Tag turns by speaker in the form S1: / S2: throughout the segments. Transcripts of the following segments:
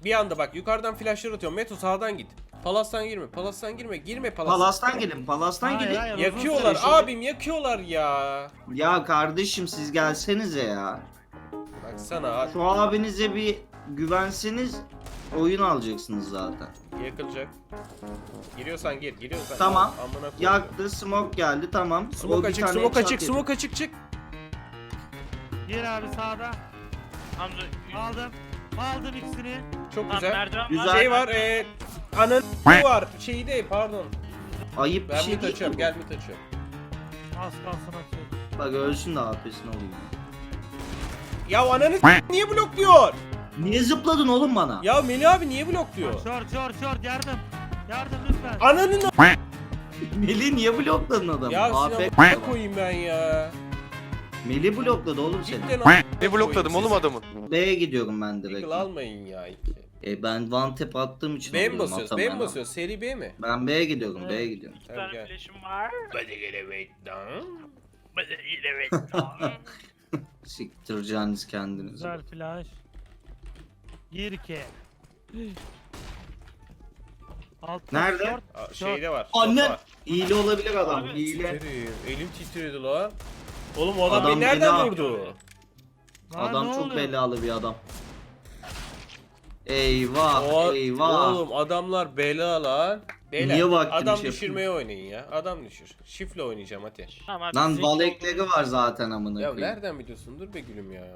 S1: Bir anda bak yukarıdan flashlar atıyorum. Meto sağdan git. Palas'tan girme. Palas'tan girme. Girme Palas'tan.
S2: Palas'tan gelin, Palas'tan
S3: Hayır,
S2: gidin.
S3: hayır.
S1: Yakıyorlar
S2: Uzun süre
S1: abim yakıyorlar ya.
S2: Ya kardeşim siz gelsenize ya.
S1: Baksana
S2: Şu abinize bir güvenseniz oyun alacaksınız zaten.
S1: yakılacak. Giriyorsan gir. Giriyorsan.
S2: Tamam.
S1: Amına koyayım.
S2: Yaktı, smoke geldi, tamam. O
S1: Smoke
S2: bir
S1: açık,
S2: tane
S1: smoke
S2: headshot
S1: açık,
S2: yedi.
S1: smoke açık çık.
S3: Gir abi sağda.
S4: Hamza
S3: Aldım. Aldım ikisini.
S1: Çok
S4: Tamam,
S1: güzel.
S4: merdiven
S2: Güzel.
S4: var.
S1: Şey var anın var. Şeyi de pardon.
S2: Ayıp bir
S1: Ben
S2: şey
S1: mid
S2: değil
S1: açıyorum.
S2: mi?
S1: Gel mid açıyorum.
S3: Az kalsın atıyorum.
S2: Bak ölsün de AP'sini alayım.
S1: Ya ananı niye blokluyor?
S2: Niye zıpladın oğlum bana?
S1: Ya Melih abi niye blokluyor?
S3: Short yardım. Yardım lütfen.
S1: Ananın
S2: Melih niye blokladın adamı?
S1: ya
S2: AP
S1: size koyayım ben ya.
S2: Melih blokladı oğlum seni.
S1: Cidden
S5: Ne blokladım oğlum adamı?
S2: B'ye gidiyorum ben direkt.
S1: Yıkıl almayın ya iki.
S2: Ben one tap attığım için
S1: B mi
S2: alıyorum,
S1: basıyoruz? B
S2: atamam
S1: mi
S2: ama.
S1: basıyoruz? Seri B mi?
S2: Ben B'ye gidiyorum,
S3: Evet.
S2: B'ye gidiyorum.
S4: Bir
S1: Tamam,
S4: tane
S1: gel.
S4: flash'ım var.
S1: Hadi gel wait down.
S4: Hadi yine bekle.
S2: Siktireceğiniz kendinizi.
S3: Güzel flash. Gir ki. Altta
S2: Nerede?
S3: short.
S1: Aa, şeyde var.
S2: Annen!
S1: Short var.
S2: Hile olabilir adam,
S4: Abi,
S2: hile.
S1: Titredim, elim titredi lan. Oğlum o adam,
S2: Adam
S1: beni nereden
S2: bela.
S1: vurdu?
S3: Lan
S2: Adam
S3: ne
S2: çok
S3: oluyor?
S2: belalı bir adam. Eyvah,
S1: O,
S2: eyvah.
S1: Oğlum adamlar bela lan. Beyler,
S2: Niye vaktimiz
S1: adam
S2: yapıyor?
S1: düşürmeye oynayın ya. Adam düşür. Şifle oynayacağım hadi.
S4: Tamam,
S2: Lan
S4: zeki
S2: balekleri
S4: olduğunu-
S2: var zaten amına
S1: Ya
S2: koyayım.
S1: nereden biliyorsun? Dur be gülüm ya.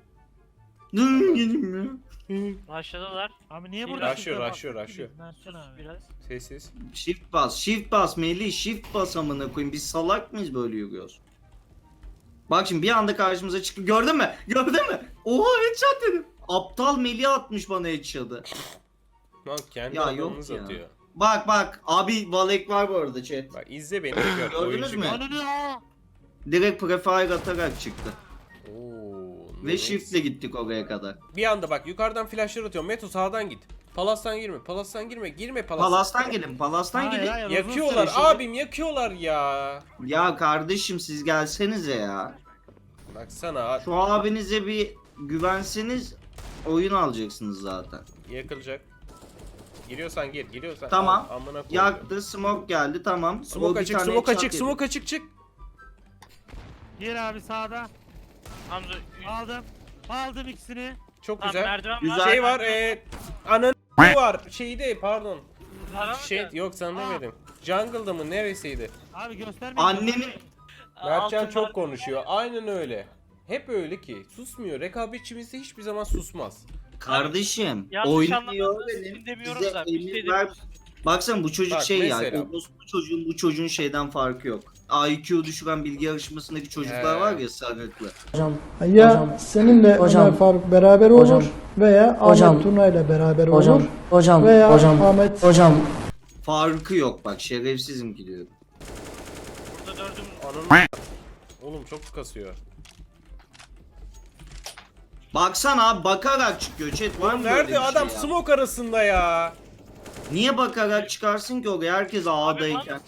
S2: Gelin
S4: Başladılar.
S3: Abi niye
S4: Bir
S3: burada?
S1: Rushlıyor,
S3: şifre
S1: rushlıyor,
S3: bak?
S1: rushlıyor.
S3: Versene abi.
S4: Biraz.
S1: Sessiz.
S2: Shift bas Melih, shift bas amına koyayım. Biz salak mıyız böyle yürüyoruz? Bak şimdi bir anda karşımıza çıktı. Gördün mü? Gördün mü? Oha headshot dedim. Aptal Melih atmış bana headshot'ı.
S1: Lan kendi
S2: Ya
S1: adamınız
S2: yok ya.
S1: atıyor.
S2: Bak abi Valek var bu arada chat.
S1: Bak izle beni de gör.
S2: Gördünüz
S1: Oyuncu
S2: mü?
S1: gör.
S3: Ananı aa!
S2: Direkt prefire atarak çıktı.
S1: Oo,
S2: Ve
S1: nice.
S2: shiftle gittik oraya kadar.
S1: Bir anda bak yukarıdan flashlar atıyorum. Meto sağdan git. Palas'tan girme. Palas'tan girme. Girme Palas'tan.
S2: Palas'tan gelin, Palas'tan
S3: Hayır,
S2: gidin.
S3: hayır, uzun
S1: Yakıyorlar
S3: süre.
S1: abim yakıyorlar ya.
S2: Ya kardeşim siz gelsenize ya.
S1: Baksana
S2: Şu abinize bir güvenseniz oyun alacaksınız zaten.
S1: yakılacak. Giriyorsan gir. Giriyorsan.
S2: Tamam.
S1: Amına koyayım.
S2: Yaktı, smoke geldi, tamam. O
S1: Smoke
S2: bir
S1: açık,
S2: tane
S1: smoke
S2: headshot
S1: açık,
S2: yedi.
S1: smoke açık çık.
S3: Gir abi sağda.
S4: Hamza
S3: Aldım. Aldım ikisini.
S1: Çok
S4: Tamam,
S1: güzel.
S4: merdiven
S2: Güzel.
S4: var.
S1: Şey var anın var. Şeyi de pardon.
S4: Var ama
S1: Şey yok sana demedim. Jungle'da mı neresiydi?
S3: Abi gösterme.
S2: Annemin
S1: Mertcan
S4: altın
S1: çok
S4: var.
S1: konuşuyor. Aynen öyle. Hep öyle ki. Susmuyor. Rekabetçimiz de hiçbir zaman susmaz.
S2: kardeşim
S4: Yanlış
S2: oynuyor
S4: anlamadınız,
S2: benim.
S4: biz demiyoruz
S2: Bize
S4: da, biz
S2: emir
S4: de
S2: ver.
S4: demiyoruz.
S2: Baksana bu çocuk
S1: Bak,
S2: şey ya.
S1: mesela.
S2: Bu çocuğun şeyden farkı yok. IQ düşüren bilgi yarışmasındaki çocuklar
S1: He.
S2: var ya sarıklı.
S6: Ya seninle Ömer Faruk beraber olur veya Ahmet Tuna ile beraber olur veya Ahmet
S2: Farkı yok bak şerefsizim gidiyorum.
S4: Burada dördüm.
S1: Anın oğlum çok kasıyor.
S2: Baksana abi bakarak çıkıyor chat var
S1: Lan
S2: mı böyle
S1: nerede
S2: bir şey
S1: adam
S2: ya?
S1: smoke arasında ya?
S2: Niye bakarak çıkarsın ki oraya herkes A'dayken?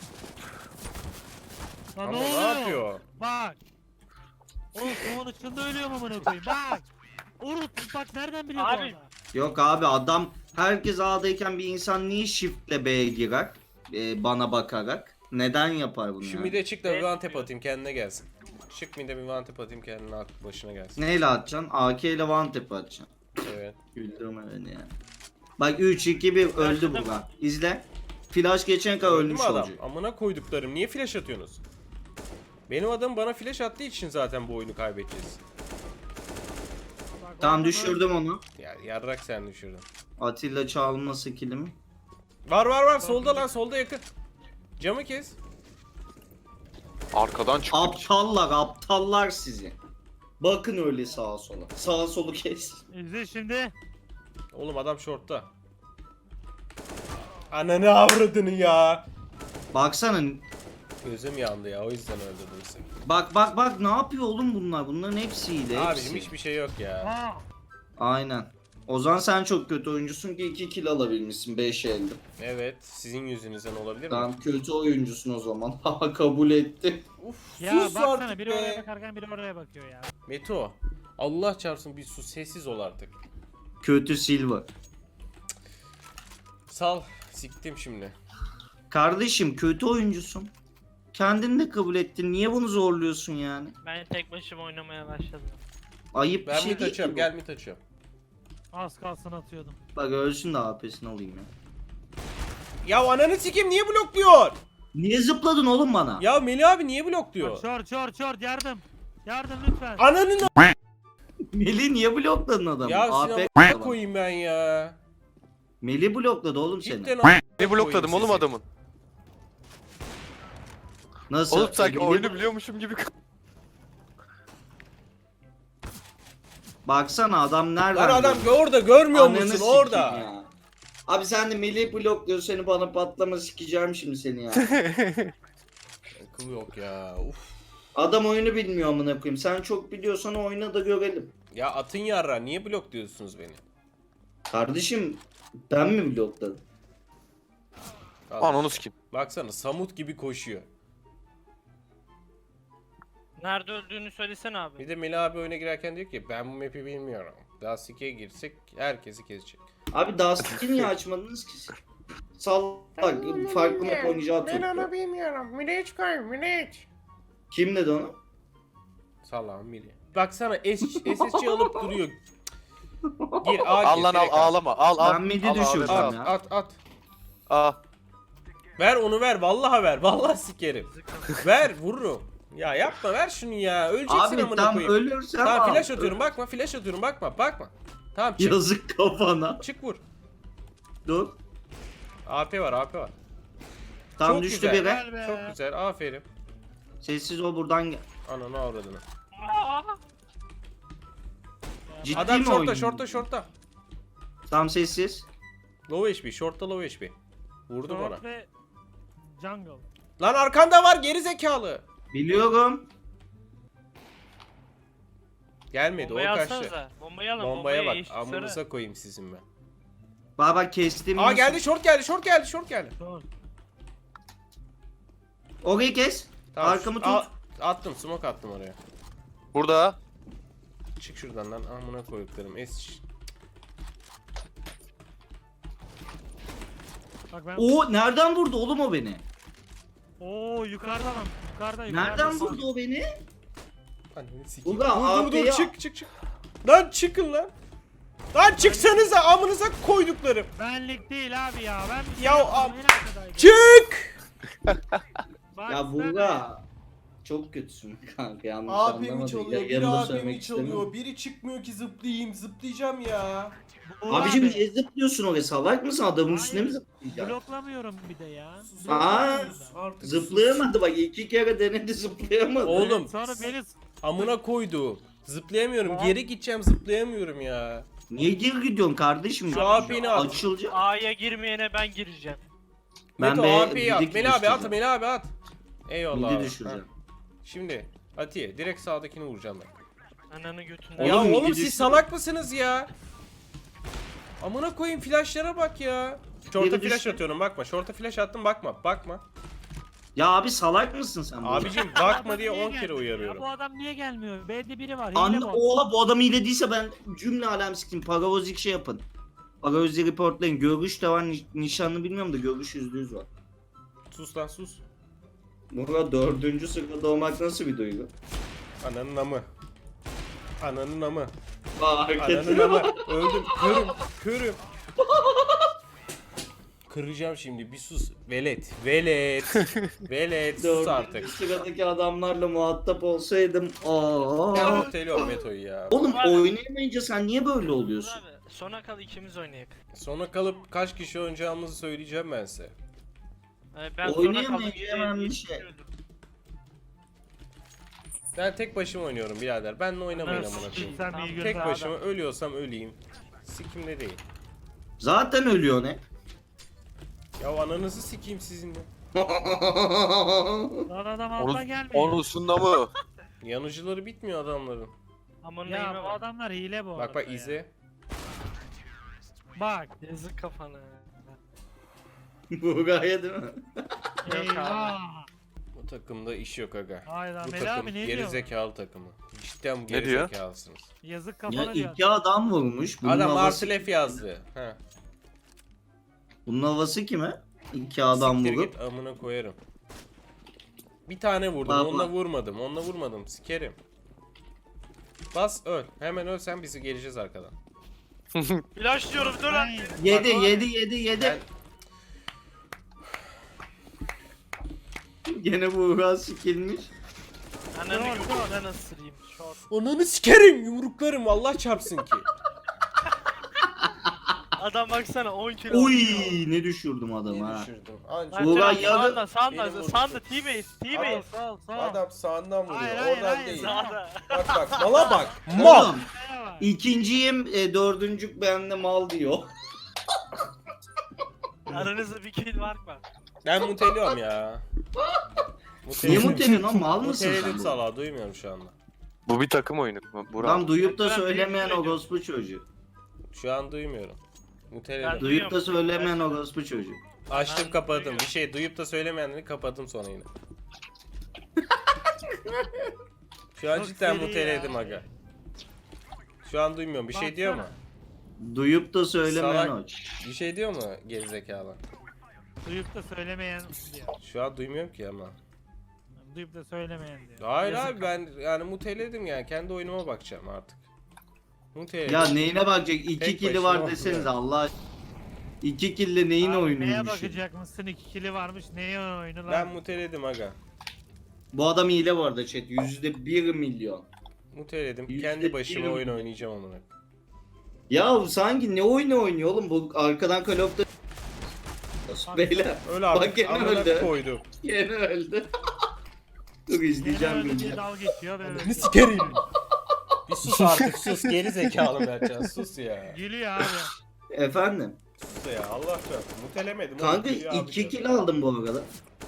S3: Lan
S1: Ama
S3: ne
S1: ne
S3: oluyor?
S1: yapıyor?
S3: Bak. Oğlum soğanın içinde ölüyorum amına koyayım. Bak. Urut bak nereden biliyor bu
S4: Abi.
S3: adam?
S2: Yok abi adam herkes A'dayken bir insan niye shiftle B'ye girer? Bana bakarak. Neden yapar bunu
S1: Şu
S2: yani?
S1: mide çık da bir one tap atayım kendine gelsin. Çık mide bir one tap atayım kendine aklı başına gelsin.
S2: Neyle atacaksın? AK ile one tap atacaksın.
S1: Evet.
S2: Güldürme beni ya. Bak 3 2 1 öldü bu lan. İzle. Flash geçen kadar
S1: Öldü
S2: ölmüş
S1: mü adam?
S2: olacak.
S1: Amına koyduklarım niye flash atıyorsunuz? Benim adam bana flash attığı için zaten bu oyunu kaybedeceğiz.
S3: Bak,
S2: Tamam
S3: adam
S2: düşürdüm onu.
S1: Ya yarrak sen düşürdün.
S2: Atilla çalma skillimi.
S1: Var solda lan solda yakın. Camı kes.
S5: Arkadan çıktı.
S2: Aptallar sizi. Bakın öyle sağa sola. Sağa solu kes.
S3: İzle şimdi.
S1: Oğlum adam shortta. Ananı avradını ya.
S2: Baksana.
S1: Gözüm yandı ya o yüzden öldürdüm seni.
S2: Bak ne yapıyor oğlum bunlar? Bunların hepsi hile.
S1: Abicim
S2: Hepsi.
S1: hiçbir şey yok ya.
S3: Aa.
S2: Aynen. Ozan sen çok kötü oyuncusun ki 2 kill alabilmişsin 5 elde.
S1: Evet sizin yüzünüzden olabilir mi?
S2: Tamam kötü oyuncusun o zaman. Haha kabul etti.
S1: Uf
S3: Ya
S1: sus
S3: baksana
S1: artık
S3: biri
S1: be.
S3: oraya bakarken biri oraya bakıyor ya.
S1: Meto Allah çarpsın bir sus sessiz ol artık.
S2: Kötü Silver.
S1: Sal. Siktim şimdi.
S2: Kardeşim kötü oyuncusun. Kendin de kabul ettin. Niye bunu zorluyorsun yani?
S4: Ben tek başıma oynamaya başladım.
S2: Ayıp bir
S1: Ben
S2: şey
S1: mid
S2: değil
S1: açıyorum.
S2: ki
S1: Gel mid açıyorum.
S3: Az kalsın atıyordum.
S2: bu. Bak ölsün de AP'sini alayım ya.
S1: Ya ananı sikeyim niye blokluyor?
S2: Niye zıpladın oğlum bana?
S1: Ya Melih abi niye
S3: Bak,
S1: blokluyor?
S3: short yardım. Yardım lütfen.
S1: Ananın
S2: Melih niye blokladın adamı?
S1: Ya
S2: AP
S1: sinema koyayım ben ya.
S2: Melih blokladı oğlum seni.
S1: Cidden
S5: Ne blokladım oğlum adamın.
S2: Nasıl?
S5: Oğlum sanki
S2: Melih-
S5: oyunu biliyormuşum gibi.
S2: Baksana adam nereden?
S1: Lan adam
S2: görüyor?
S1: orada görmüyor
S2: Ananı
S1: musun
S2: sikeyim
S1: orada?
S2: ya. Abi sen de Melih blokluyor seni bana patlama sikeceğim şimdi seni ya.
S1: Akıl yok ya. Uf.
S2: Adam oyunu bilmiyor amına koyayım. Sen çok biliyorsan oyna da görelim.
S1: Ya atın yarra niye blokluyorsunuz beni?
S2: Kardeşim ben mi blokladım?
S1: Al.
S5: Ananı sikeyim.
S1: Baksana Samut gibi koşuyor.
S4: Nerede öldüğünü söylesene abi.
S1: Bir de Melih abi oyuna girerken diyor ki ben bu map'i bilmiyorum. Dust 2'ye girsek herkesi kesecek.
S2: Abi Dust'ı niye açmadınız ki siz? Salak farklı map oynayacağı tuttu.
S1: bilmiyorum. Miraç koy Miraç.
S2: Kim dedi onu?
S1: Salam Melih. Baksana SSC alıp duruyor. Gir A
S5: Al
S1: gir,
S5: lan al
S1: direkt al.
S5: ağlama. Al.
S2: Ben midi
S5: Al, al,
S2: düşürdüm.
S5: al.
S1: At
S2: ya.
S1: at.
S5: Aa.
S1: Ver onu ver vallahi ver. Vallahi sikerim. Ver vururum. Ya yapma ver şunu ya. Öleceksin
S2: Abi
S1: amına
S2: tam
S1: koyayım.
S2: ölürsen
S1: Tamam
S2: al.
S1: flash atıyorum bakma flash atıyorum bakma. Tamam çık
S2: Yazık kafana.
S1: çık vur.
S2: Dur.
S1: AP var.
S2: Tam
S1: Çok
S2: düştü
S1: güzel.
S2: biri.
S3: Gel be.
S1: Çok güzel aferin.
S2: Sessiz ol buradan gel.
S1: Ananı avradını.
S2: Ciddi
S1: Adam
S2: mi
S1: şortta.
S2: Tam sessiz.
S1: Low HP shortta low HP. Vurdu bana.
S3: Short ve jungle.
S1: Lan arkanda var geri zekalı.
S2: Biliyorum.
S1: Gelmedi
S4: Bombayı
S1: o kaçtı.
S4: alsanıza. Bombayı alın.
S1: Bombaya bak
S4: eşit
S1: amınıza
S4: sarı.
S1: koyayım sizin ben.
S2: Baba kestim.
S1: Aa geldi short geldi.
S3: Short.
S2: Orayı kes.
S1: Tamam,
S2: Arkamı
S1: al-
S2: tut.
S1: attım smoke attım oraya.
S5: Burada.
S1: Çık şuradan lan amına koyduklarım.
S3: Bak ben.
S2: O nereden vurdu oğlum o beni?
S3: Oo yukarıda lan. Yukarıda.
S2: Nereden vurdu o beni?
S1: Ananı sikeyim.
S2: Ulan
S1: Dur
S2: AP'ye
S1: çık. Lan çıkın lan. Lan çıksanıza amınıza koyduklarım.
S3: Benlik değil abi ya. Ben bir şey
S1: Ya
S3: yapmadım,
S1: ab-
S3: en arkadaydım.
S1: Çık.
S3: Bak
S2: Ya
S3: sen-
S2: Buğra. Çok kötüsün kanka yanlış
S1: AP'mi
S2: anlamadım.
S1: çalıyor, biri
S2: Yanında
S1: AP'mi
S2: söylemek istemiyorum.
S1: çalıyor, biri çıkmıyor ki zıplayacağım ya.
S3: Buğra
S2: Abicim
S3: abi,
S2: niye zıplıyorsun oraya salak mısın adamın
S3: Hayır.
S2: üstüne mi zıplayacaksın?
S3: bloklamıyorum bir de ya.
S2: Aa,
S1: Artık
S2: Zıplayamadı bak 2 kere denedi zıplayamadı.
S1: Oğlum
S3: Sonra beni
S1: amına koydu. Zıplayamıyorum,
S3: Tamam.
S1: geri gideceğim zıplayamıyorum ya.
S2: Niye geri gidiyorsun kardeşim?
S1: Şu AP'ni al.
S2: Açılacak.
S4: A'ya girmeyene ben gireceğim.
S2: Ben
S1: Meto
S2: be
S1: AP'yi at,
S2: bidik
S1: Melih abi at,
S2: düşüreceğim.
S1: Melih abi at. Eyvallah
S2: Midi
S1: abi.
S2: düşüreceğim.
S1: Ha. Şimdi Atiye direkt sağdakini vuracağım ben.
S4: Ananı götünden.
S1: Ya
S2: Oğlum,
S1: oğlum
S2: midi
S1: siz
S2: düşür.
S1: salak mısınız ya? Amına koyayım flashlara bak ya. Short'a
S2: Midi
S1: flash
S2: düşür.
S1: atıyorum bakma. Short'a flash attım bakma.
S2: Ya abi salak mısın sen? Buğra?
S1: Abicim bakma
S3: Adam
S1: diye
S3: niye
S1: 10 kere
S3: gelmiyor ya?
S1: uyarıyorum.
S3: Bu adam niye gelmiyor? B'de biri var.
S2: Anne
S3: Hile bu.
S2: oha bu adam hile değilse ben cümle alem siktim. Paravozik şey yapın. Paravoz'i reportlayın. Görüş de var nişanlı bilmiyorum da görüş %100 var.
S1: Sus lan sus.
S2: Burada 4. sırada olmak nasıl bir duygu?
S1: Ananın amı. Ananın amı.
S2: Aa
S1: Ananın
S2: hareketine
S1: amı.
S2: bak.
S1: Öldüm. Körüm. Kıracağım şimdi bir sus. Velet. Velet sus artık.
S2: 4. sıradaki adamlarla muhatap olsaydım. Aa.
S1: Ben ortaylıyorum Meto'yu ya.
S2: Oğlum oynayamayınca sen niye böyle oluyorsun?
S4: Abi sona kal ikimiz oynayak.
S1: Sonra kalıp kaç kişi oynayacağımızı söyleyeceğim ben size.
S4: Ben sona
S2: Oynayamayınca
S4: kalınca
S2: hemen bir şey.
S1: Ben tek başıma oynuyorum birader. Benle oynamayın
S3: Nasıl
S1: amına koyayım.
S3: Sen iyi
S1: Tek
S3: günler
S1: başıma
S3: adam.
S1: ölüyorsam öleyim. Sikimde değil.
S2: Zaten ölüyor ne?
S1: Ya ananızı sikeyim sizinle.
S3: Lan adam
S5: Onu,
S3: alta gelmiyor.
S5: onusunda mı?
S1: Yanıcıları bitmiyor adamların.
S4: Aman
S3: Ya
S4: neyime
S3: bu
S4: bak.
S3: adamlar hile bu
S1: Bak
S3: arada ya.
S1: izle.
S3: Bak.
S4: Yazık kafana.
S2: Bu gayet değil mi?
S3: Eyvah.
S1: Bu takımda iş yok aga.
S3: Hayda
S1: Bu
S3: Melih
S1: takım
S3: abi ne diyor?
S1: gerizekalı takımı. Cidden
S5: diyor?
S1: gerizekalısınız.
S3: Yazık
S2: Ya
S3: kafana diyor.
S2: 2 adam vurmuş. Bunun
S1: Adam
S2: havası-
S1: Marsilef yazdı. Ha.
S2: Bunun havası kime? İki adam
S1: Siktir
S2: vurup.
S1: git amına koyarım. Bir tane vurdum.
S2: Bak,
S1: Onunla
S2: bak.
S1: vurmadım. Onunla vurmadım. Sikerim. Bas öl. Hemen ölsen bizi geleceğiz arkadan.
S4: Flash diyorum dur lan.
S2: Yedi.
S1: Ben-
S2: Gene bu Uğur sikilmiş.
S4: Ananı götünden ısırayım. Short.
S1: Ananı sikerim. Yumruklarım. Allah çarpsın ki.
S4: Adam baksana 10 kilo.
S2: Oy ne düşürdüm adamı ha.
S1: düşürdüm. Anca.
S4: Lan
S2: Ulan
S4: Kerem,
S2: ya-
S4: sağında sağında
S1: Benim vuruşum.
S4: sağında T-base T-base.
S3: Sağ ol sağ ol.
S1: Adam sağından vuruyor.
S3: Hayır, hayır,
S1: Oradan
S3: hayır,
S1: değil.
S4: Sağda.
S1: Bak bak. Mala bak. Mal.
S2: Oğlum ikinciyim dördüncük bende mal diyor.
S4: Aranızda bir kill var mı?
S1: Ben muteliyorum ya.
S2: Niye muteliyorsun lan mal mısın sen?
S1: Muteledim
S2: bu?
S1: salağı. Duymuyorum şu anda.
S5: Bu bir takım oyunu. Burak.
S2: Lan duyup da
S4: Ben
S2: söylemeyen
S4: büyük
S2: orospu çocuğu.
S1: Şu an duymuyorum. Muteledim.
S4: Ben-
S2: Duyup da
S4: Duyuyorum.
S2: söylemeyen orospu çocuğu.
S1: Açtım
S4: Ben
S1: kapadım.
S4: duyuyorum.
S1: Bir şey duyup da söylemeyenleri kapadım sonra yine. Şu an
S3: Çok
S1: cidden
S3: seri
S1: muteledim
S3: ya.
S1: aga. Şu an duymuyorum. Bir şey diyor mu?
S2: Duyup da söylemeyen
S1: Salak.
S2: o.
S1: Bir şey diyor mu gerizekalı?
S3: Duyup da söylemeyen diyor.
S1: Şu an duymuyorum ki ama.
S3: Duyup da söylemeyen diyor.
S1: Hayır
S3: Yazık.
S1: abi ben yani muteledim yani. Kendi oyunuma bakacağım artık. Muteledim.
S2: Ya neyine bakacak? İki
S1: Tek
S2: kili
S1: başına
S2: var deseniz
S1: olmuyor.
S2: Allah aşkına. İki kille neyin
S3: Abi
S2: oyunuymuş?
S3: Neye bakacak mısın? 2 kili varmış. Neye oyunu lan?
S1: Ben muteledim aga.
S2: Bu adam hile bu arada chat. %1 milyon.
S1: Muteledim.
S2: Yüzde
S1: Kendi başıma
S2: bir-
S1: oyun oynayacağım amına.
S2: Ya sanki ne oyunu oynuyor oğlum bu arkadan Call of Duty. Beyler
S1: Öyle
S2: Bak
S1: artık
S2: gene
S1: amına
S2: öldü.
S1: koydum.
S2: yeni öldü. Dur
S3: Yine
S2: izleyeceğim
S3: öyle
S2: günce.
S3: bir dal geçiyor. Böyle
S1: Ne sikerim. Bir sus artık sus. Geri zekalı Mertcan sus ya.
S3: Gülüyor abi.
S2: Efendim.
S1: Sus ya Allah aşkına. Mutelemedim. oğlum,
S2: Kanka
S1: geliyor abi
S2: 2
S1: diyor.
S2: kill aldım bu arada.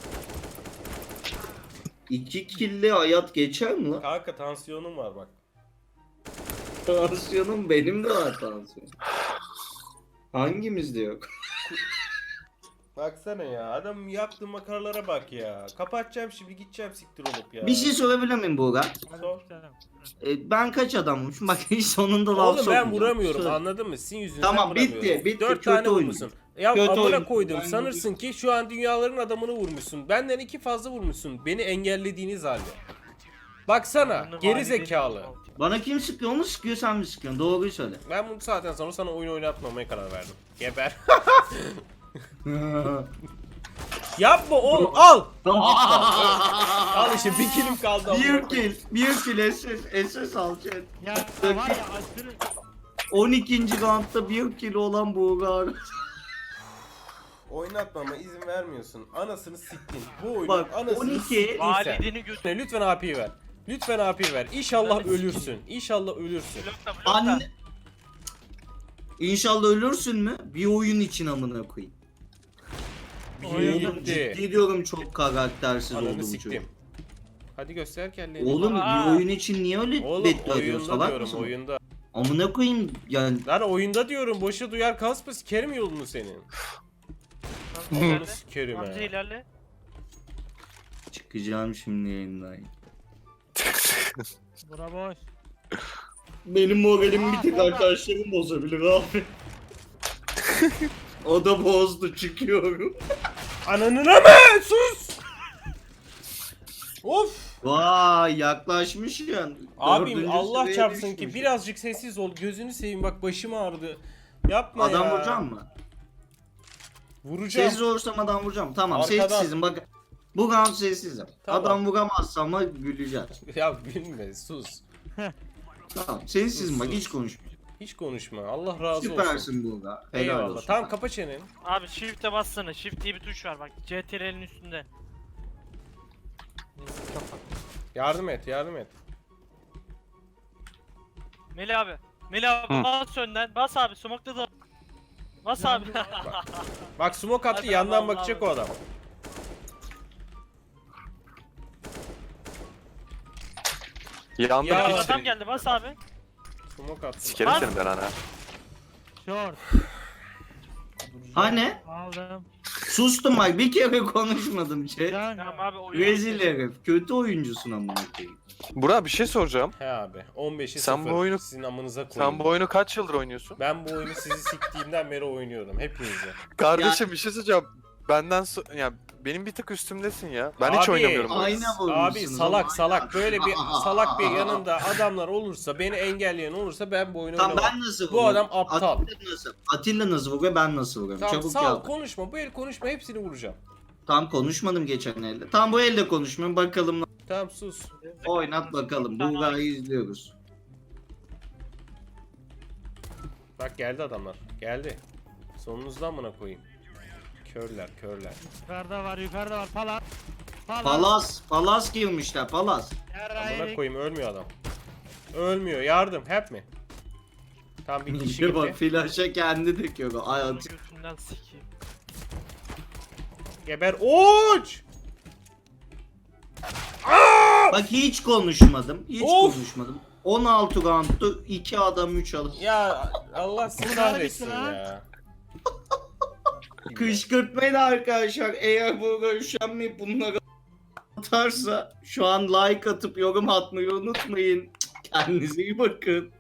S2: 2 kill'le hayat geçer mi lan?
S1: Kanka tansiyonum var bak.
S2: Tansiyonum benim de var tansiyon. Hangimizde yok?
S1: Baksana ya adam yaptığı makaralara bak ya. Kapatacağım şimdi gideceğim siktir olup ya.
S2: Bir şey sorabilir miyim Buğra?
S1: Sor.
S2: Ben kaç adammışım? Bak hiç sonunda laf
S1: Oğlum ben
S2: sokmayacağım.
S1: vuramıyorum
S2: Söyle.
S1: anladın mı? Sizin yüzünüzden
S2: Tamam, bitti,
S1: vuramıyorum.
S2: bitti.
S1: 4
S2: Kötü
S1: tane
S2: oyun.
S1: vurmuşsun. Ya
S2: Kötü
S1: amına
S2: oyun.
S1: koydum
S2: Ben
S1: sanırsın ki şu an dünyaların adamını vurmuşsun. Benden 2 fazla vurmuşsun. Beni engellediğiniz halde. Baksana
S4: Ananı
S1: geri
S4: valideni-
S1: zekalı.
S2: Bana kim sıkıyor? Onu sıkıyor sen mi sıkıyorsun? Doğruyu söyle.
S1: Ben bu saatten sonra sana oyun oynatmamaya karar verdim. Geber. Yapma oğlum al. Al işte bir kilim kaldı. amına koyayım.
S2: bir kill SS al chat.
S3: Ya var ya aşırı
S2: 12. roundda 1 kill olan Buğra.
S1: Oynatmama izin vermiyorsun. Anasını siktin. Bu oyunun
S2: Bak,
S1: anasını
S2: 12
S1: siktin sen.
S4: Valideni götür.
S1: Lütfen AP'yi ver. Lütfen AP'yi ver. İnşallah ölürsün. İnşallah ölürsün.
S4: Blokta blokta.
S2: Anne. İnşallah ölürsün mü? Bir oyun için amına koyayım.
S1: Oyun
S2: Oğlum
S1: bitti.
S2: ciddi diyorum çok karaktersiz oldu
S1: Ananı
S2: bu
S1: siktim.
S2: çocuk.
S1: Hadi göster kellerini.
S2: Oğlum
S4: Aa.
S2: bir oyun için niye öyle
S1: Oğlum
S2: beddua ediyorsun?
S1: oyunda
S2: Salak
S1: diyorum
S2: mısın?
S1: oyunda.
S2: Amına koyayım yani.
S1: Lan oyunda diyorum boşa duyar kasma sikerim yolunu senin.
S4: Hamza
S1: Onu
S4: ilerle.
S1: sikerim
S4: Hamza
S1: ha.
S4: ilerle.
S2: Çıkacağım şimdi yayından.
S3: bura boş.
S2: Benim moralim
S3: Aa,
S2: bir tek
S3: orada.
S2: arkadaşlarım bozabilir abi. O da bozdu çıkıyorum.
S1: Ananına mı? Sus! Of!
S2: Vay yaklaşmış yani.
S1: Abim
S2: Dördüncü
S1: Allah
S2: sıraya
S1: çarpsın
S2: düşmüş.
S1: ki birazcık sessiz ol. Gözünü seveyim bak başım ağrıdı. Yapma
S2: Adam
S1: ya.
S2: vuracağım mı?
S1: Vuracağım.
S2: Sessiz olursam adam vuracağım. Tamam
S1: Arkadan.
S2: sessizim bak. Bu round sessizim.
S1: Tamam.
S2: Adam vuramazsa ama güleceğiz.
S1: Ya gülme sus.
S2: Tamam sessizim bak
S1: Sus.
S2: hiç konuşmuyorum.
S1: Hiç konuşma. Allah razı olsun.
S2: Süpersin burada. Helal
S1: Eyvallah.
S2: olsun.
S1: Tamam kapa çeneni.
S4: Abi shift'e bassana. Shift diye bir tuş var bak. CTRL'in üstünde. Neyse kapat.
S1: Yardım et, yardım et.
S4: Melih abi. Melih abi
S5: Hı.
S4: bas önden. Bas abi. Smoke'da da. Bas abi.
S1: Bak smoke attı
S4: Hadi
S1: yandan
S4: Allah
S1: bakacak o
S4: Allah.
S1: adam.
S5: Yandım
S1: Ya.
S5: hiç.
S4: Adam geldi bas abi.
S1: Smoke attı.
S5: Sikerim
S4: Lan.
S5: seni ben ana.
S3: Short.
S2: Hani?
S3: Aldım.
S2: Sustum bak, bir kere konuşmadım chat.
S4: Tamam abi oyun.
S2: Rezil herif. Kötü oyuncusun amına koyayım.
S5: Burak bir şey soracağım.
S1: He abi 15'i
S5: Sen
S1: 0.
S5: bu oyunu-
S1: Sizin amınıza koyayım.
S5: Sen bu oyunu kaç yıldır oynuyorsun?
S1: Ben bu oyunu sizi siktiğimden beri oynuyorum. Hepinizle.
S5: Kardeşim bir şey söyleyeceğim. Ya benim bir tık üstümdesin ya. Ben hiç
S1: Abi,
S5: oynamıyorum.
S2: Ayna
S1: Abi
S2: vurmuşsunuz
S1: salak
S2: ama-
S1: salak böyle bir salak bir yanında adamlar olursa, beni engelleyen olursa ben bu oyunu
S2: Tamam
S1: oynamam.
S2: ben nasıl
S1: Bu
S2: vuruyorum?
S1: adam aptal.
S2: Atilla nasıl vuruyor, ben nasıl vuruyorum?
S1: Tamam
S2: Çabuk
S1: sağ ol,
S2: yap.
S1: konuşma. Bu el konuşma, hepsini vuracağım.
S2: Tam konuşmadım geçen elde. Tam bu elde konuşmuyorum, bakalım.
S1: Tamam sus.
S2: Oynat bakalım. Bulgar'ı izliyoruz.
S1: Bak geldi adamlar. Geldi. Sonunuzdan mına koyayım. Körler.
S3: Yukarıda var Palas.
S2: Palas girmişler, Palas.
S1: Amına koyayım, ölmüyor adam. Ölmüyor. Yardım. Help mi? Tam bir kişi
S2: Bir bak,
S1: gitti.
S2: flaşa kendi döküyor. Ay at.
S4: Götünden sikeyim.
S1: Geber. Uç!
S2: Bak hiç konuşmadım. Hiç
S1: Of!
S2: konuşmadım. 16 round'tu. 2 adam 3 alır.
S1: Ya Allah sizi
S3: Bunlar
S1: kahretsin
S3: bitti lan.
S1: ya.
S2: Kışkırtmayın arkadaşlar. Eğer bu görüşenmeyip bunları atarsa şu an like atıp yorum atmayı unutmayın. Kendinize iyi bakın.